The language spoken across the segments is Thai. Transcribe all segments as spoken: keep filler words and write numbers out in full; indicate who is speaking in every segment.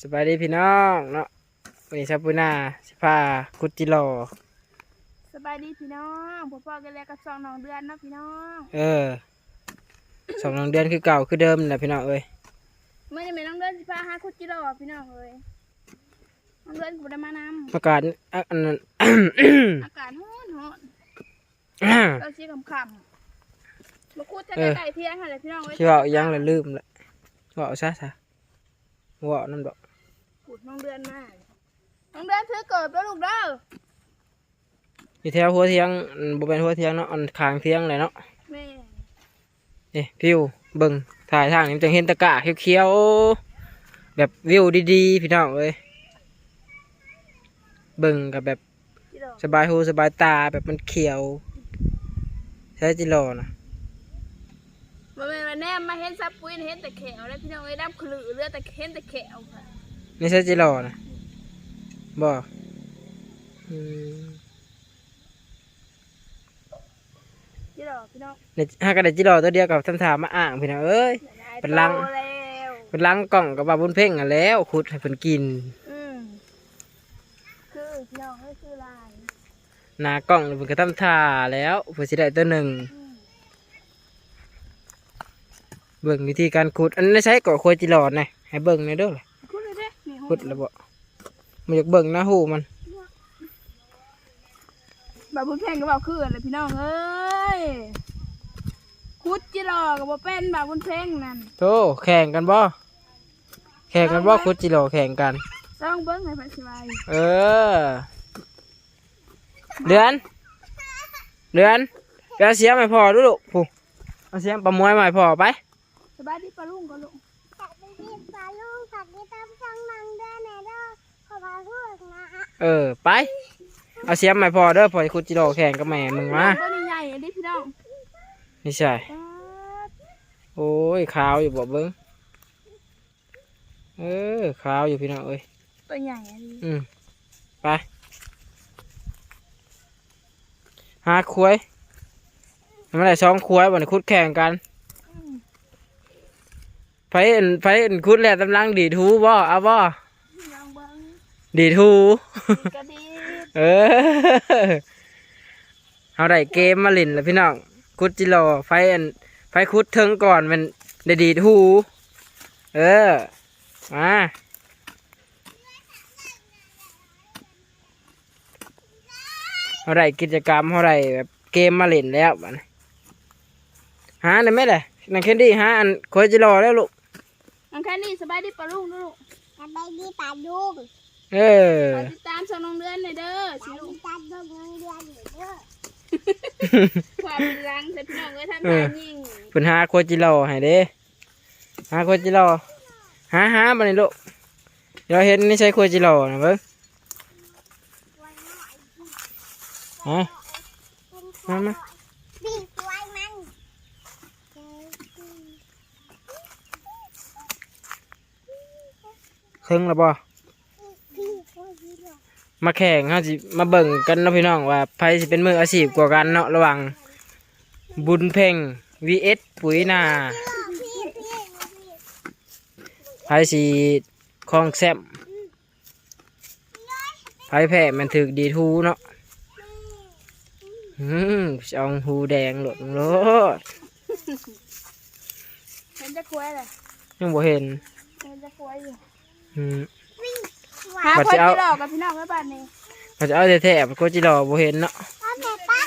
Speaker 1: สบายดีพี่น้องเนาะวันนี้ชาปูนาสิพาคุดจิโร่
Speaker 2: สบายดีพี่น้องพ่อพ่อกันแล้วก็สองน้องเดือนเนาะพี่น้อง
Speaker 1: เออสองน้องเดือนคือเก่าคือเดิมแหละพี่น้องเอ้ย
Speaker 2: เมื่อนี้แม่น้องเดือนสิพาหาคุดจิโร่พี่น้องเอ้ยน้องเดือนกูได้มานำ
Speaker 1: อากาศอ่ะอันนั้น
Speaker 2: อากาศร้อนร้อนเราชี้คำคำมาคุดแท้ไก่เที่ยงค่ะเลยพี่น้องเอ้ย
Speaker 1: ที่ว่าอีหยังเลยลืมละว่าเอาซะซะว่าเอานั่นดอก
Speaker 2: ขุดน้องเดือนมาน้องเดือนถือเกิดแล้วลูกเด้อ
Speaker 1: อยู่แถวหัวเทียงอันบ่เป็นหัวเทียงเนาะอันคางเทียงเลยเนาะ
Speaker 2: แม่
Speaker 1: นี่พิวเบิ่งถ่ายทางนี้มันจะเห็นตะกร้าเขียวๆแบบวิวดีๆพี่น้องเอ้ยเบิ่งกับแบบ
Speaker 2: จิโร่
Speaker 1: สบายหูสบายตาแบบมันเขียวใช่จิโร่นะ
Speaker 2: มาเป็นมาแนมมาเห็นซับปุ้ยเห็นแต่แขวแล้วพี่น้องเอ้ยดำขลุ่ยเลือดแต่เห็นแต่แขวค่ะ
Speaker 1: นี่ใช่จิโร่นะบ่อืม
Speaker 2: จิโร่พี่น้อง
Speaker 1: เนี่ยหากระได้จิโร่ตัวเดียวกับทำถามมาอ่างพี่น้องเอ้ย เป็นลัง
Speaker 2: โตแล้ว
Speaker 1: เป็นล้างกล่องกับบาบุญเพ่งอ่ะแล้วขุดให้เพิ่นกิน
Speaker 2: อืมคือพี่น้องเอ้ยคือลาย
Speaker 1: หนากล่องเพิ่นก็ทำท่าแล้วเพื่อสิได้ตัวหนึ่ง
Speaker 2: อืม
Speaker 1: เบิ่งวิธีการขุดอันนี้ใช้ก่อโคจิโร่นะให้เบิ่งในอยเด้อล่ะ
Speaker 2: คุดเลยเด้นี่
Speaker 1: ขุดแล้วบ่มันอยากเบิ่งหน้าหูมัน
Speaker 2: บาบุญเพ่งก็บอกคืออะไรพี่น้องเอ้ยคุดจิโร่กับบ่เป็นบาบุญเพ่งนั่น
Speaker 1: โธ่แข่งกันบ่แข่งกันบ่ขุดจิโร่แข่งกัน
Speaker 2: ต้องเบิ้งให้พันสบาย
Speaker 1: เออเดือนเดือนไปเอาเสียมให้พ่อดูลูกผู้เอาเสียมประมวยมาให้พ่อไป
Speaker 2: สบายดีปลาลุงก็ลุง
Speaker 3: ฝากไปที่ปลาลูกฝากที่ตามช่องนังเด้อแม่เด้อขอพาพูดนะฮะ
Speaker 1: เออไปเอาเสียมมาให้พ่อเด้อพ่อจะขุดจิโร่แข่งกับแม่มึงมา
Speaker 2: ตัวนี้ใหญ่อันนี้พี่น้อง
Speaker 1: นี่ใช่
Speaker 2: ป๊าด
Speaker 1: โอ้ยขาวอยู่บ่เบิ้งเออขาวอยู่พี่น้องเอ้ย
Speaker 2: ตัวใหญ่อันนี้
Speaker 1: อืมไปหาคุ้ยทำอะไรสองคุ้ยบ่เนี่ยคุดแข่งกัน
Speaker 2: อืม
Speaker 1: ไผเอ็นไผเอ็นคุดแหละตำลังดีดหูบ่เอาบ่
Speaker 2: ลองเบิ้ง
Speaker 1: ดีดหู
Speaker 2: ดีกระดี
Speaker 1: เออเอาได้เกมมาเล่นแล้วพี่น้องคุดจิโร่ไฟอันไฟคุดเทิงก่อนมันได้ดีดหูเออมาเอาได้กิจกรรมเอาได้แบบเกมมาเล่นแล้วบัดนี้หาได้ไหมล่ะนังแคนดี้หาอันโคจิโร่แล้วลูก
Speaker 2: น้องแค่นี้สบายดีปลาลุงนะลูก
Speaker 3: สบายดีปลาลูก
Speaker 1: เออ
Speaker 2: ฝากติดตามช่องน้องเดือนหน่อยเด้อ
Speaker 3: ป
Speaker 2: สิ
Speaker 3: ลา
Speaker 2: ลู
Speaker 3: ลู
Speaker 2: ก
Speaker 3: กจัดดมเงินเดือนอยู่เด้อ
Speaker 2: ความเป็นรังแต่พี่น้องเอ้ยท่านตายยิ่ง
Speaker 1: เพิ่นหาโคจิโร่ให้เด้หาโคจิโร่หาหาบัดนี้ลูกเดี๋ยวเห็นนี่ใช่โคจิโร่นะเบิ่งฮะ มามา
Speaker 3: บีบไว้มัน
Speaker 1: ครึ่งแล้วบ่
Speaker 3: บีบไว้ดีเลย
Speaker 1: มาแข่งเฮาสิมาเบิ่งกันเนาะพี่น้องว่าไผสิเป็นมืออาชีพกว่ากันเนาะระหว่างบุญเพ่ง วี เอส ปุ๋ยนา
Speaker 3: พี่พี่พี่
Speaker 1: ไผสิคลองแซมไผแพ้มันถึกดีทูเนาะอืมสิเอาหูแดงโลดโลด
Speaker 2: เห็นจะควยเลย
Speaker 1: ยังบ่เห็น
Speaker 2: เห็นจะควยอยู่
Speaker 1: อืม
Speaker 2: หา
Speaker 1: บัด
Speaker 2: คน
Speaker 1: สิเอา
Speaker 2: ที่หลอกกับพี่น้องไว้บ้านนี้
Speaker 1: เขาจะเอาแท้ๆโคจิโร่บ่เห็นเนาะ
Speaker 3: พ่อแม่ป้า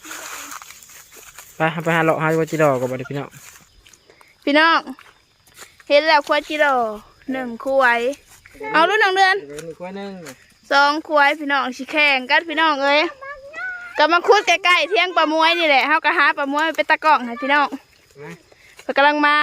Speaker 1: ไปไปหาเลาะหาโคจิโร่ก่อนบัดนี้พี่น้อง
Speaker 2: พี่น้องเห็นแล้วควายจิโร่หนึ่งควายเอารุ่นน้องเดือน
Speaker 1: เดี๋ยวนี่กว่านึง
Speaker 2: สองควายพี่น้องสิแข่งกันพี่น้องเอ้ยก็มาคุดใกล้ๆเที่ยงปลามวยนี่แหละเฮาก็หาปลามวยไปตะกร้องให้พี่น้อง
Speaker 1: นะ
Speaker 2: เพิ่นกำลังมา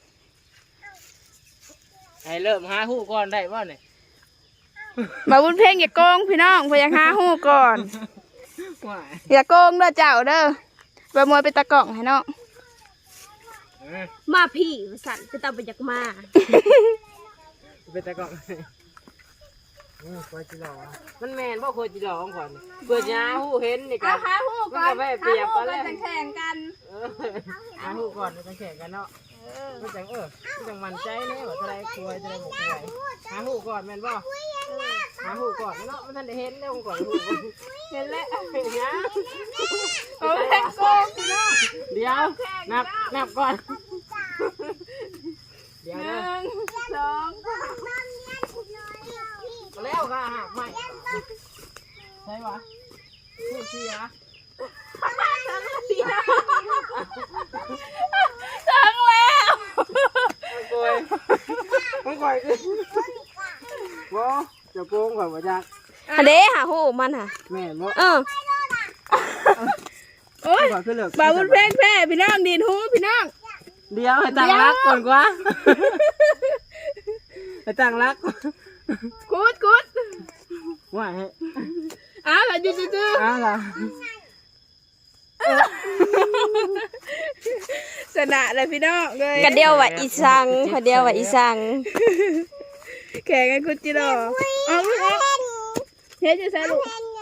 Speaker 1: ให้เริ่มหาหูก่อนได้บ่เนี่ย
Speaker 2: บาบุญเพ่งอย่าโกงพี่น้องเพิ่นอยากหาฮู้ก่อน
Speaker 1: ว่า
Speaker 2: อย่าโกงเด้อเจ้าเด้อปลามวยไปตะกร้องให้น้อง
Speaker 1: เออ
Speaker 3: มาพี่สั่นคือตาไปจากมา
Speaker 1: ไปตะกร้องโอ้โคจิโร่มันแม่นบ่โคจิโร่ของก่อนนี่เปิดยาหูเห็นนี่ก็
Speaker 2: หาฮู้ก่อน
Speaker 1: มันก็ไม่เปรียบกันแล้ว
Speaker 2: หาฮู้ก่อนจะแข่งกัน
Speaker 1: เออหาหูก่อนแล้วจะแข่งกันเนาะ
Speaker 2: เอ
Speaker 1: มันจังเออมันจังมันใจแน่ว่าจะได้ควยจะได้บ่ควยหาหูก่อนแม่นบ่หาหูก่อนเนาะมันทันได้เห็นแล้วก่อนหูเห็นแล้วเห็นยัง
Speaker 2: โอ้ยโกงพี่น้อง
Speaker 1: เดี๋ยวนับนับก่อนเดี๋ยว
Speaker 2: ห
Speaker 1: นะ
Speaker 2: นึ่งสอง
Speaker 1: แล้วค่ะหักใหม่ใช่ปะพูดสิฮะ
Speaker 2: ถึงแล้ว
Speaker 1: โกยมันโกยคือบ่จะโกงกว่าบ่จัก
Speaker 4: อันเด้หาหูมันค่ะ
Speaker 1: แม่นบ่
Speaker 4: เออ
Speaker 2: โอ้ย
Speaker 1: ก่อนคือเลิก
Speaker 2: บ่าวบุญเพ่งแพ้พี่น้องดีดหูพี่น้อง
Speaker 1: เดี๋ยวให้ตั้งรักก่อนกว่าให้ตั้งรัก
Speaker 2: กุดกุด
Speaker 1: ว่าให้
Speaker 2: อ้าวแล้วจื้อ
Speaker 1: อ้าวล่ะ
Speaker 2: ๆชนะเลยพี่น้องเลย
Speaker 4: กระเดียวว่าอีสังกระเดียวว่าอีสัง
Speaker 2: แข่งกันคุณจิโร่เอาลูกเอาเฮ้ยจะใส่ลูก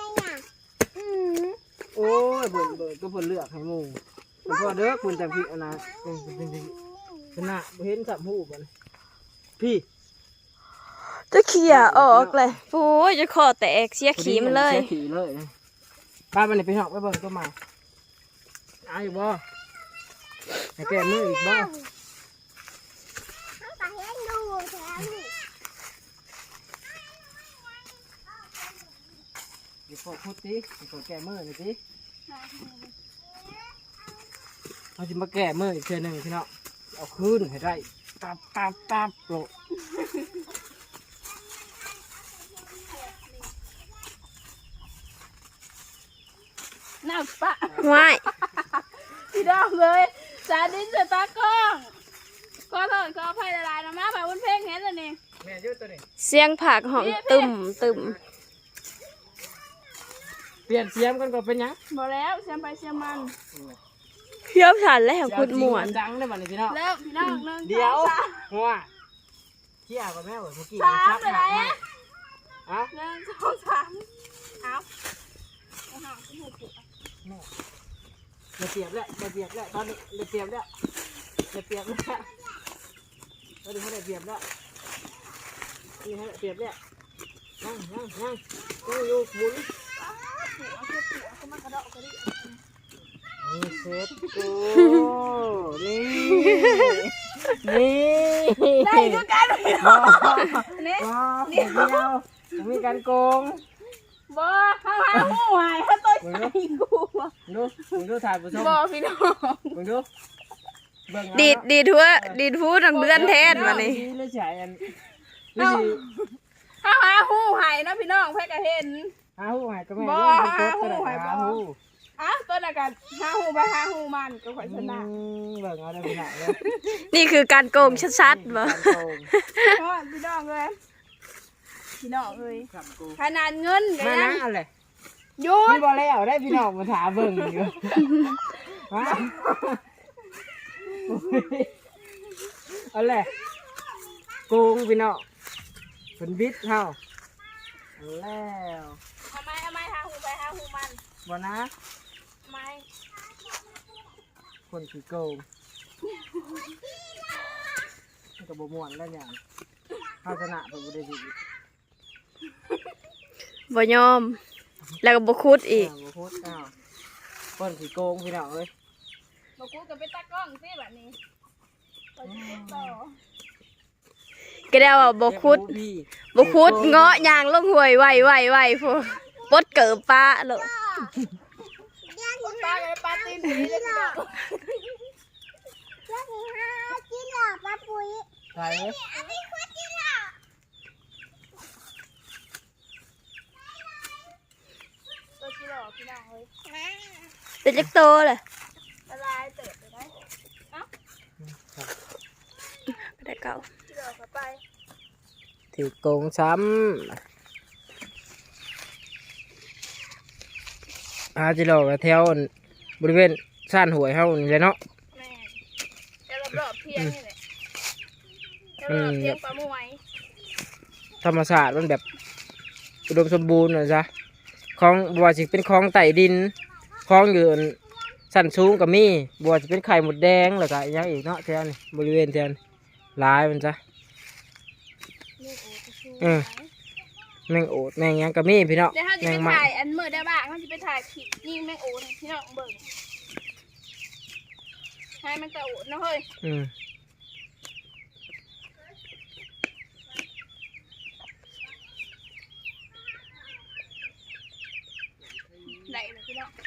Speaker 1: โอ้ยเบิ่นเบิ่นก็เพิ่นเลือกให้หมู่เพิ่นพอเด้อคุณจังพี่อันน่ะเออจริงๆชนะบ่เห็นจับหูบ่พี่
Speaker 4: จะเขี่ยออกเลยโอ้ยจะคอแตกเสียขี้มันเลย
Speaker 1: สีขี่เลยป้ามันนี่ไปหอกไปเบิ่งตัวใหม่เอาอยู่บ่ให้แก้มืออีกบ่เดี๋ยวพอพูดสิเดี๋ยวพอแก้มือหน่อยสิเราจะมาแก้มืออีกเทื่อหนึ่งพี่น้องเอาคืนให้ได้ตับตับตับโปะ
Speaker 2: น้ำปะ
Speaker 4: ว้าย
Speaker 2: พี่น้องเลยจาดินสตากล้องขอโทษขออภัยหลายๆนะมาบ่าวบุญเพ่งเห็นแล้วนี่
Speaker 1: แม่ยืดตัวนี้
Speaker 4: เสียงผักหอมตึมตึม
Speaker 1: เปลี่ยนเสียงกันก็เป็นหยัง
Speaker 2: บ่แล้วเสียมไปเสียมมัน
Speaker 4: เพี้ยวฉันแล้วคุดหมวน
Speaker 1: จังได้บัดนี้พี่น้อง
Speaker 2: แล้วพี่น้องหนึ่ง
Speaker 1: เดี๋ยว
Speaker 2: สอง
Speaker 1: หัวเที่ยกับแม่เมื่อกี้
Speaker 2: สาม
Speaker 1: ชัก
Speaker 2: ไปไหนอะ
Speaker 1: อะ
Speaker 2: หนึ่งสองสามเอาเอาหางขึ้นหัวปุ๊บ
Speaker 1: จะเปรียบแล้วจะเปรียบแล้วตอนนี้จะเปรียบแล้วจะเปรียบแล้วตอนนี้เขาได้เปรียบแล้วนี่ให้เปรียบแล้วนั่งนั่งนั่งนั่งอยู่หมุน
Speaker 2: เอาเชือกผูกเอาเข้ามากระเดาะกระดิ่ง
Speaker 1: นี่เซ็ตกูนี่นี่
Speaker 2: ได้ดูกันพี่น้องนี่
Speaker 1: อ๋อเดียวมีการโกง
Speaker 2: บ่ข้างหางหูหายถ้าตัวใหญ่กูอะ
Speaker 1: ดูมึงดูถ่ายผู้ชม
Speaker 2: บ่พี่น้อง
Speaker 1: มึงดูเบิ่งเอา
Speaker 4: ดีดดีดทั่วดีดพูดทางเดือนแทนมานี่
Speaker 1: นี่เลยใช่อันนี่สิ
Speaker 2: ข้างหางหูหายนะพี่น้องเพื่อก็เห็น
Speaker 1: หาหูหายก็แม่
Speaker 2: บ่
Speaker 1: ดูมันโคตร
Speaker 2: หาหูหายบ่
Speaker 1: หาหู
Speaker 2: อ่ะตัวนั้นกันหาหูไปหาหูมันก็ข่อยชนะ
Speaker 1: อืมเบิ่งเอาได้พี่น้องเลย
Speaker 4: นี่คือการโกงชัดๆบ่
Speaker 1: การโกง
Speaker 2: เพราะพี่น้องเลยพี่น้องเลย
Speaker 1: การโกง
Speaker 2: ขนาดเงินกั
Speaker 1: มานะ
Speaker 2: น
Speaker 1: อะไร
Speaker 2: หยุ
Speaker 1: มั
Speaker 2: ด
Speaker 1: นบ่แล้วได้พี่น้องมาถามเบิ่งอยู่มาเอาเลยโกงพี่น้องเป็นบิดเฮาเอาแล้ว
Speaker 2: ทำไมทำไมหาหูไปหาหูมัน
Speaker 1: บ่นะ
Speaker 2: ทำไม
Speaker 1: คนขี้โกงมันก็บ่ม่วนแล้วอย่างภาชนะเป็นบ่ได้ดี
Speaker 4: บ่ยอม แล้วก็บ่คุดอีก
Speaker 1: าวบ่พูดอ้าวคนขี้โกงพี่น้องเอ้ย
Speaker 2: บอกกูกับเป็นตากล้องสิแบบนี้ไปต่อ
Speaker 4: ก็ได้ว่าบ่คุด
Speaker 1: เรียกพี่
Speaker 4: บ่คุดเงาะยางลงห้วยไวไวไวพูปดเกิบป้าโลด
Speaker 2: คุณป้ากับป้าตีนสีเลยพี่น้อง
Speaker 3: เจ้าที่ห้ากินหลอดปลาปุ๋ย
Speaker 1: ใส่เอ้ย
Speaker 3: อันนี้คือกินหลอด
Speaker 2: ตัวที่หล่อพี่น้องเลย
Speaker 4: เป็นจักโตเลย
Speaker 2: ละลายเติบไปได้เอ้า
Speaker 4: ก็ได้เก่า
Speaker 2: ที่หล่อเข้าไป
Speaker 1: ถือโกงซ้ำอาจิโร่กับแถวบริเวณซ่านหวยเฮานี่แหละเนาะ
Speaker 2: แม่จะรอบๆเพียงนี่แหละจะรอบๆเพียงปลาหมวย
Speaker 1: ธรรมศาสตร์มันแบบอุดมสมบูรณ์นะจ๊ะคลองบัวสิเป็นคลองไต่ดินคลองอยู่สั้นสูงก็มีบัวจะเป็นไข่หมดแดงแล้วก็อยังอีกเนาะแถวนี้บริเวณแถวนี้หลายมันจ้ะเออแมงโอดแมงหยังก็มีพี่เนาะ
Speaker 2: เดี๋ยวเขาจะ
Speaker 1: แม
Speaker 2: ไป
Speaker 1: งมัน
Speaker 2: ถ่ายอันมือได้บ้างเขาจะไปถ่ายผิดนี่แม่งโอ้ยพี่น้องเบิ่งให้มันกระโอดนะเฮ้ย
Speaker 1: อืม
Speaker 2: ไหนเลยพี่น้อง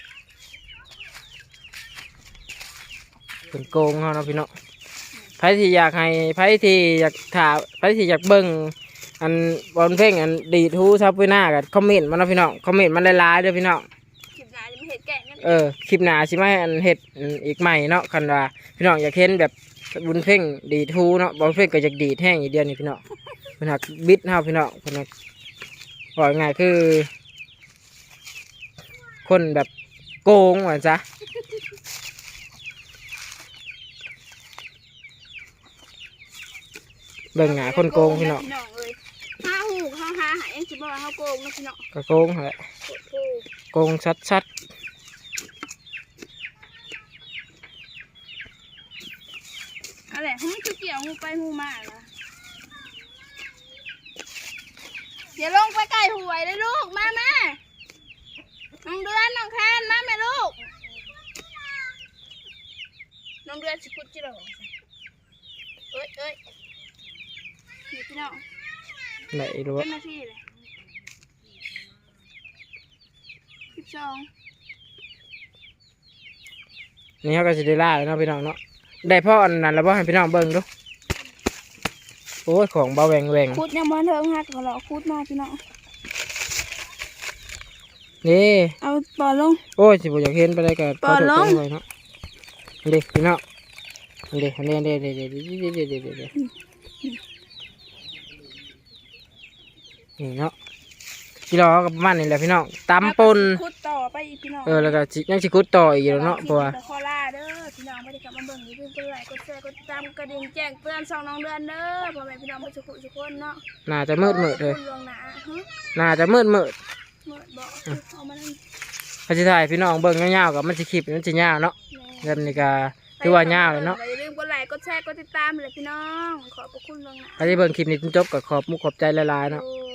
Speaker 1: เป็นโกงเขาเนาะพี่เนาะไผที่อยากให้ไผที่อยากถามไผที่อยากเบิ่งอันบอลเพลงอันดีทูซับไว้หน้ากันคอมเมนต์มาเนาะพี่น้องคอมเมนต์มาหลายๆเด้อพี่น้อง
Speaker 2: คลิปหน้าจะไม่เห็นแกะนั่น
Speaker 1: เออคลิปหน้าสิมาให้อันเฮ็ดอันอีกใหม่เนาะคันว่าพี่น้องอยากเห็นแบบบุญเพลงดีทูเนาะบอลเพลงก็อยากดีดแห้งอีกเดียวนี่พี่น้องเพิ่นหักบิดเฮาพี่น้องเพิ่นหักบอกง่ายคือ คนแบบโกงว่าซะเบิ่งหน้าคนโกงพี่น้อง
Speaker 2: พี่น้องเอ้ยห้าหูห้าห้าหายยังสิบอกว่าเขาโกงนะพี่น้อง
Speaker 1: ก็โกงแหละ
Speaker 2: โอ้โห
Speaker 1: โกงชัด
Speaker 2: อะไรเขาไม่คือเกี่ยวงูไปงูมาเหรออย่าลงไปไก่หวยเลยลูกมาแม่น้องเดือนน้องแคนมาแม่ลูกน้องเดือนสิคุดจิโร่เอ้ยเอ้ยนี่พี่น้อง
Speaker 1: ๆไหนรู้
Speaker 2: เป็
Speaker 1: ว่าน
Speaker 2: นาทีเลยสิบสอง
Speaker 1: นี่เขาก็สิได้ล่าแล้วเนาะพี่น้องเนาะได้พ่ออันนั้นแล้วบ่ให้พี่น้องเบิ่งดูโอ้ยของเบาแหวงแหวง
Speaker 2: คุดยังมันเทิงฮักก็เราคุดมาพี่น้อง
Speaker 1: นี่
Speaker 2: เอาปอลง
Speaker 1: โอ้ยสิบ่อยากเห็นไปได้ก็
Speaker 2: ปอดลง
Speaker 1: ขอโทษด้วยเนาะนี่ดิพี่น้องนี่ดิอันนี้เด้เด้เด้เด้เด้เด้เด้เด้นี่เนาะที่เรากับประมันนี่แหละพี่น้องตำปน
Speaker 2: คุดต่อไปอีกพี่น้อง
Speaker 1: เออแล้วก็สิยังสิคุดต่ออีกแล้วเนาะเพราะว่า
Speaker 2: คอล่าเด้อพี่น้องไม่ได้กลับมาเบิ่งอย่าลืมกดไลค์กดแชร์กดติดตามกระดิ่งแจ้งเตือนสองน้องเดือนเด้อพ่อแม่พี่น้องมาสุขุสุขคนเนาะ
Speaker 1: น่าจะมืดมืดเลย
Speaker 2: คุณลวงหนาฮะ
Speaker 1: น่าจะมืดมืด
Speaker 2: มืดบอกเอามานั่น
Speaker 1: พอสิถ่ายพี่น้องเบิ่งยาวๆกับมันสิคลิปมันสิยาวเนาะ
Speaker 2: แม่
Speaker 1: เริ่มนี่ก็คือว่ายาวเลยเนาะ
Speaker 2: อย่าลืมกดไลค์กดแชร์กดติดตามเลยพี่น้องขอบพระคุณลวงหนา
Speaker 1: ถ้าได้เบิ่งคลิปนี้จนจบก็ขอบมุกขอบใจหลายๆเนาะ
Speaker 2: โอ้